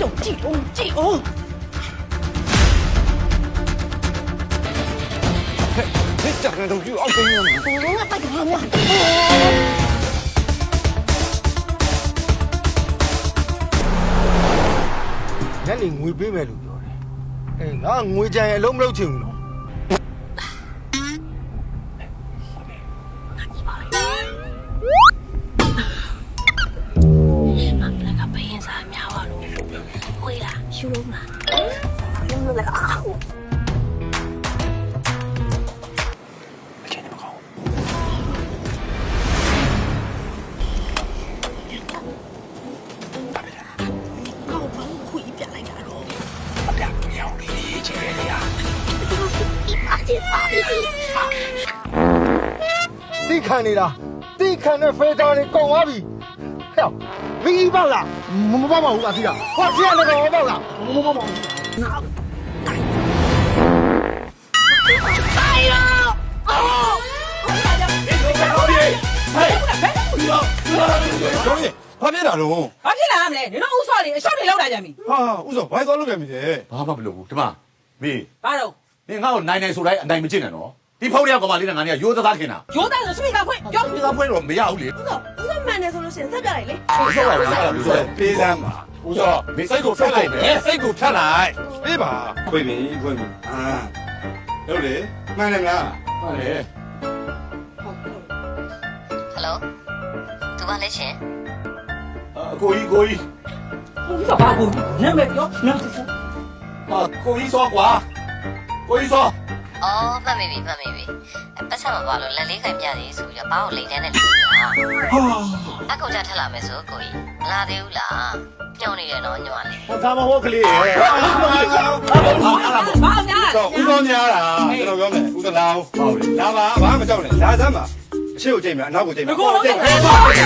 哦。 你讲的都就要跟了吗？ 我快点跑！ ညနေငွေပေးမယ်လို့ပြောတယ်။အေးငါငွေကြံရအလုံးမလုပ်ချင်ဘူးနော်။修容了，用了那个啊！ တိခံနေတာတိခံတဲ့ဖေးသားတွေကုန်သွားပြီဟဲ့မီးပေါက်လားမပေါက်ပါဘူးအတိကဟောဆီရလည်းတော့ပေါက်လားမပေါက်ပါဘူးဘာဖြစ်လာတော့ဘာဖြစ်လာမလဲနင်တို့ဥဆော်လေးအရှောက်တွေလောက်လာကြပြီဟာဥစ္စာဘိုင်းသွားလုပ်ခဲ့ပြီလေဘာမှမလုပ်ဘူးဒီမှာမေးဘာတော့နင်ငါ့ကိုနိုင်နိုင်ဆိုတိုင်းအနိုင်မကျင့်နဲ့နော်ဒီဖုန်းတွေကကောင်မလေးနဲ့ငါနဲ့ရိုးသားခင်တာရိုးသားဆိုစပီကာဖွင့်ပြောဒီကဖွင့်တော့မရဘူးလေဦးစောမှန်တယ်ဆိုလို့ရှိရင်ဆက်ပြလိုက်လေဥစ္စာပါလားဥစ္စာပေးစမ်းပါဥစ္စာမေးစိတ်ကိုဖက်လိုက်မယ်စိတ်ကိုဖြတ်လိုက်ပေးပါခွေပြီခွေပြီအာဟုတ်လေမှန်တယ်လားဟုတ်လေဟယ်လိုသူပါလဲရှင်အကိုကြီးကိုကြီးဥဆော်ဘာဘူးနာမည်ပြောနာမည်ပြောဟာကိုကြီးစောကွာကိုကြီးစောအော်မှတ်မိပြီပတ်ဆက်မပါလို့လက်လေးခိုင်ပြသေးဆိုပြီးတော့ဘာကိုလိန်တန်းနဲ့လိန်တာအကောင်ကြထက်လာမယ်ဆိုကိုကြီးမလာသေးဘူးလားပြုံးနေတယ်နော်ညွှန်လေးဟောသားမဟုတ်ကလေးရဲ့ဘာများတော့ဥသောများတာကျွန်တော်ပြောမယ်ဥသလောင်းဟုတ်လေလာပါဘာမှမကြောက်နဲ့လာစမ်းပါအရှိကိုကြိတ်မယ်အနောက်ကိုကြိတ်မယ်ကိုလုံး